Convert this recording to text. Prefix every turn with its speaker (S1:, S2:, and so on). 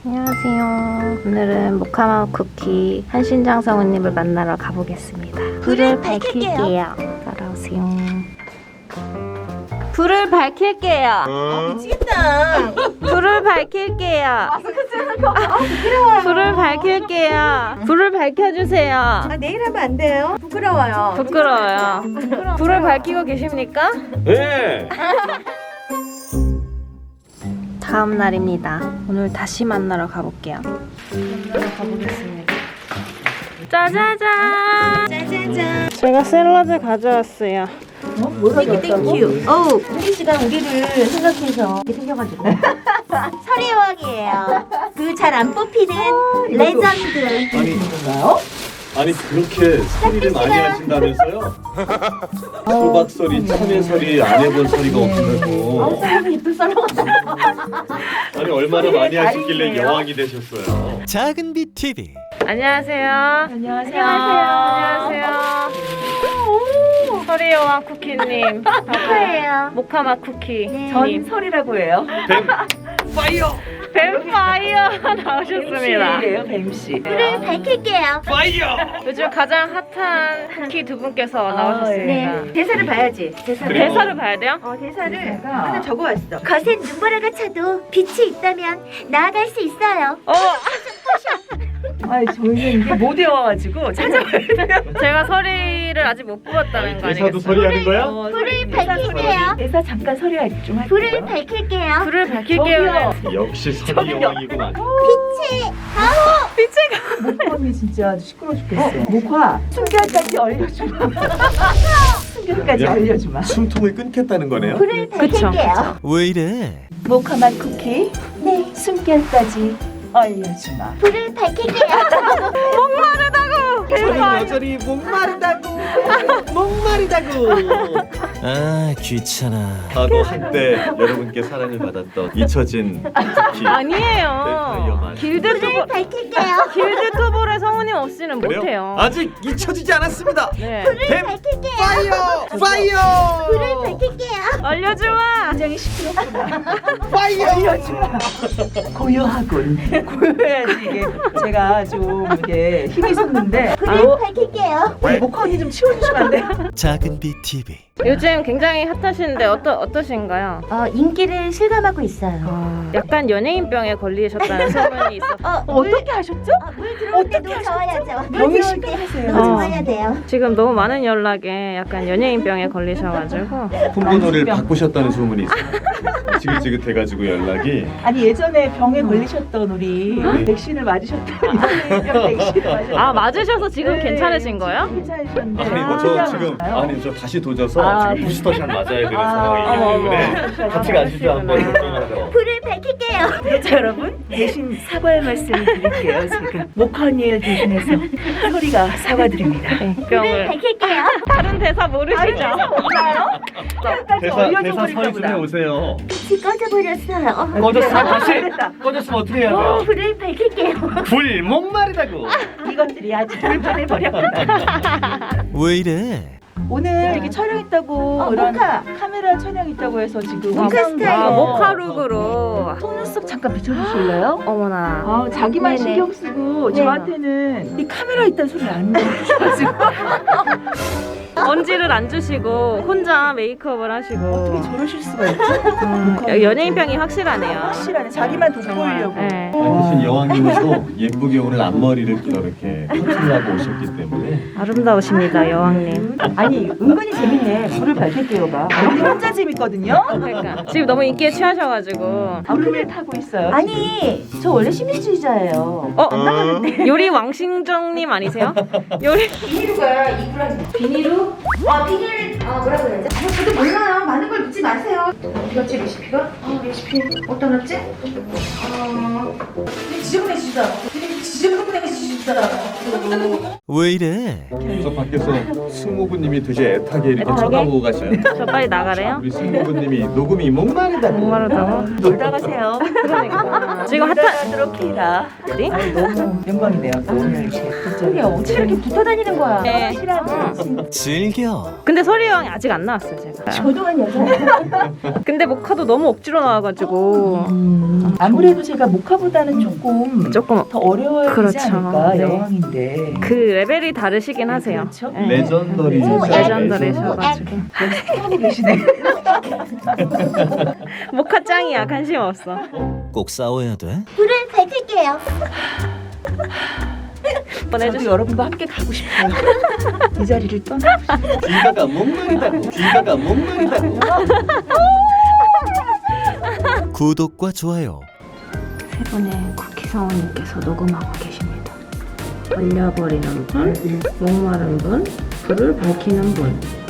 S1: 안녕하세요. 오늘은 모카마 쿠키 한신장 성우님을 만나러 가보겠습니다. 불을 밝힐게요. 따라오세요. 불을 밝힐게요.
S2: 미치겠다.
S1: 불을 밝힐게요.
S2: 마스크 쓰는 거. 부끄러워요.
S1: 불을 밝힐게요. 불을 밝혀주세요.
S2: 아, 내일 하면 안 돼요? 부끄러워요.
S1: 부끄러워요. 불을 밝히고 계십니까?
S3: 네.
S1: 다음 날입니다. 오늘 다시 만나러 가볼게요. 만나러 가보겠습니다. 짜자잔!
S2: 짜자잔.
S1: 제가 샐러드 가져왔어요.
S2: 땡큐. 어우, 혜리 씨가 우리를 생각해서 이렇게 생겨가지고. 설의 여왕이에요. 그 잘 안 뽑히는 레전드.
S3: 아니 그렇게 소리를 많이 하신다면서요? 소박소리, 참외소리 안 해본 소리가 없다고.
S2: 사람이 예쁜 썰어.
S3: 아니 얼마나 많이 하셨길래 여왕이 되셨어요?
S4: 작은 비 TV.
S1: 안녕하세요.
S2: 안녕하세요.
S1: 안녕하세요. 서리여왕 쿠키님.
S2: 축하해요.
S1: 모카마 쿠키.
S2: 전 설이라고 해요.
S3: 뱀 파이어!
S1: 뱀파이어 나오셨습니다.
S2: 뱀씨예요, 뱀씨.
S5: 불을 밝힐게요.
S3: 파이어!
S1: 요즘 가장 핫한 쿠키 두 분께서 나오셨습니다.
S2: 네. 대사를 봐야지. 대사를.
S3: 그래요?
S1: 대사를 봐야 돼요?
S2: 대사를 하나 적어왔어.
S5: 거센 눈보라가 차도 빛이 있다면 나아갈 수 있어요.
S2: 아니, 저희는 이게 못 외워가지고 찾아봐야 돼요.
S1: 제가 서리를 아직 못 뽑았다는 거
S3: 대사도
S1: 아니겠어요?
S3: 소리 하는 거야?
S5: 불을 밝힐게요.
S2: 대사 잠깐 서리 좀 할게요.
S5: 불을 밝힐게요.
S1: 불을 밝힐게요.
S3: 역시 소리 여왕이구만.
S2: 목화 언니 진짜 시끄러워 죽겠어. 목화 숨결까지 알려주마. 숨결까지
S3: 야.
S2: 알려주마.
S3: 숨통을 끊겠다는 거네요?
S5: 불을 밝힐게요.
S4: 왜 이래?
S2: 모카맛 쿠키. 네. 숨결까지 알려주마.
S5: 불을 밝힐게요.
S3: 저는 여전히 목마르다고 목마르다고.
S4: 아 귀찮아.
S3: 나도 한때 여러분께 사랑을 받았던 잊혀진 쿠키.
S1: 아니에요.
S3: 뱀파이어만.
S5: 불을 밝힐게요.
S1: 길드 투볼의 성우님 없이는
S3: 그래요?
S1: 못해요.
S3: 아직 잊혀지지 않았습니다.
S1: 네.
S3: 뱀
S5: 밝힐게요.
S3: 파이어! 파이어!
S5: 불을 밝힐게요.
S1: 알려주마.
S2: 굉장히 시끄럽구나.
S3: 파이어!
S2: 알려주마. 고요하군. 고요해야지 이게 제가 좀 이게 힘이 섰는데.
S5: 불을 밝힐게요.
S2: 목화 언니 좀 치워주시면 안 돼요?
S4: 작은 비 TV.
S1: 요즘 굉장히 핫하신데 어떠신가요?
S5: 인기를 실감하고 있어요.
S1: 약간 연예인병에 걸리셨다는 소문이 있어.
S2: 어떻게 하셨죠?
S5: 물 들어올 때도
S2: 어떻게
S5: 저어야죠. 물
S2: 병이
S5: 들어올 때
S2: 심각하세요.
S5: 저어야 돼요.
S1: 지금 너무 많은 연락에 약간 연예인병에 걸리셔가지고
S3: 폰번호를 바꾸셨다는 소문이 있어요. 지긋지긋해가지고 연락이.
S2: 아니 예전에 병에 걸리셨던 우리 백신을 맞으셨던 이병 백신을 맞으셨던
S1: 아 맞으셔서 지금
S2: 네,
S1: 괜찮으신 거예요?
S2: 괜찮으셨는데
S3: 아니 저 지금 저 다시 도져서 지금 부스터샷 맞아야 되는 상황이기 때문에 같이 가시죠 한번 걱정하죠.
S5: 불을 밝힐게요.
S2: 자 여러분 대신 사과의 말씀을 드릴게요. 지금 목화 언니를 대신해서 소리가 사과드립니다.
S5: 불을
S1: 병을
S5: 밝힐게요.
S1: 다른 대사 모르시죠?
S3: 대사 서리 좀 해오세요.
S5: 빛이 꺼져버렸어요.
S3: 꺼졌어 다시
S2: 됐다.
S3: 꺼졌으면 어떻게 해야 돼요?
S5: 불을 밝힐게요.
S3: 불 목마르다고.
S2: 이것들이 아주 불편해 버렸다.
S4: 왜 이래?
S2: 오늘 이렇게 촬영했다고 이런
S5: 모카.
S2: 카메라 촬영했다고 해서 지금
S5: 모카 스타일.
S1: 모카룩으로.
S2: 속눈썹 잠깐 비춰주실래요?
S1: 어머나.
S2: 아 자기만
S5: 네네.
S2: 신경 쓰고
S5: 네.
S2: 저한테는 이 카메라 있다는 소리를 안 들어주셔가지고
S1: 언지를 안 주시고 혼자 메이크업을 하시고.
S2: 어떻게 저러실 수가 있지?
S1: 연예인병이 확실하네요.
S2: 확실하네. 자기만 돋보이려고.
S1: 네.
S3: 대신 여왕님도 예쁘게 오늘 앞머리를 이렇게 커트하고 오셨기 때문에
S1: 아름다우십니다, 여왕님.
S2: 아니 은근히 재밌네. 불을 밝힐게요가. 우리 혼자 재밌거든요.
S1: 그러니까 지금 너무 인기에 취하셔가지고.
S2: 불을 타고 있어요.
S5: 아니, 저 원래 시민주의자예요.
S1: 요리 왕신정님 아니세요? 요리.
S5: 비닐루가 이구랑 비닐루? 비닐 뭐라고 해야지? 저도 몰라요. 많은 걸 묻지 마세요. 어디갔지 레시피가? 레시피 어디다 놨지?
S2: 지저분해지다. 지저분해지다.
S4: 왜 이래?
S3: 저 밖에서 승모부님이 되게 애타게 이렇게 쳐다보고 가시네요.
S1: 저 빨리 나가래요?
S3: 우리 승모부님이 녹음이 목마르다고.
S1: 목마르다고?
S2: 놀다 가세요.
S1: 그러니까. 지금
S2: 놀다
S1: 핫한.
S2: 가도록 해라.
S1: 어디?
S2: 너무 영광이네요. 오늘 이렇게.
S5: 어떻게 이렇게 붙어 다니는 거야?
S1: 네.
S2: 실하네.
S4: 질 일겨.
S1: 근데 서리 여왕이 아직 안 나왔어요 제가.
S5: 저도 한 여자.
S1: 근데 모카도 너무 억지로 나와가지고
S5: 아무래도 제가 모카보다는 조금
S1: 조금
S5: 더 어려워지지
S1: 그렇죠.
S5: 않을까.
S1: 네.
S5: 여왕인데.
S1: 그 레벨이 다르시긴 하세요.
S5: 그렇죠.
S1: 네.
S3: 레전더리.
S1: 레전더리셔가지고
S5: 하고 계시네.
S1: 모카 짱이야. 관심 없어.
S4: 꼭 싸워야 돼?
S2: 불을 밝힐게요.
S5: 저도 여러분과 함께 가고 싶어요. 이 자리를 떠나고 싶어요.
S3: 귀가가 몽롱이다고. 귀가가 몽롱이다고.
S4: 구독과 좋아요.
S1: 세 분의 쿠키 성우님께서 녹음하고 계십니다. 얼려버리는 분, 목마른 분, 불을 밝히는 분.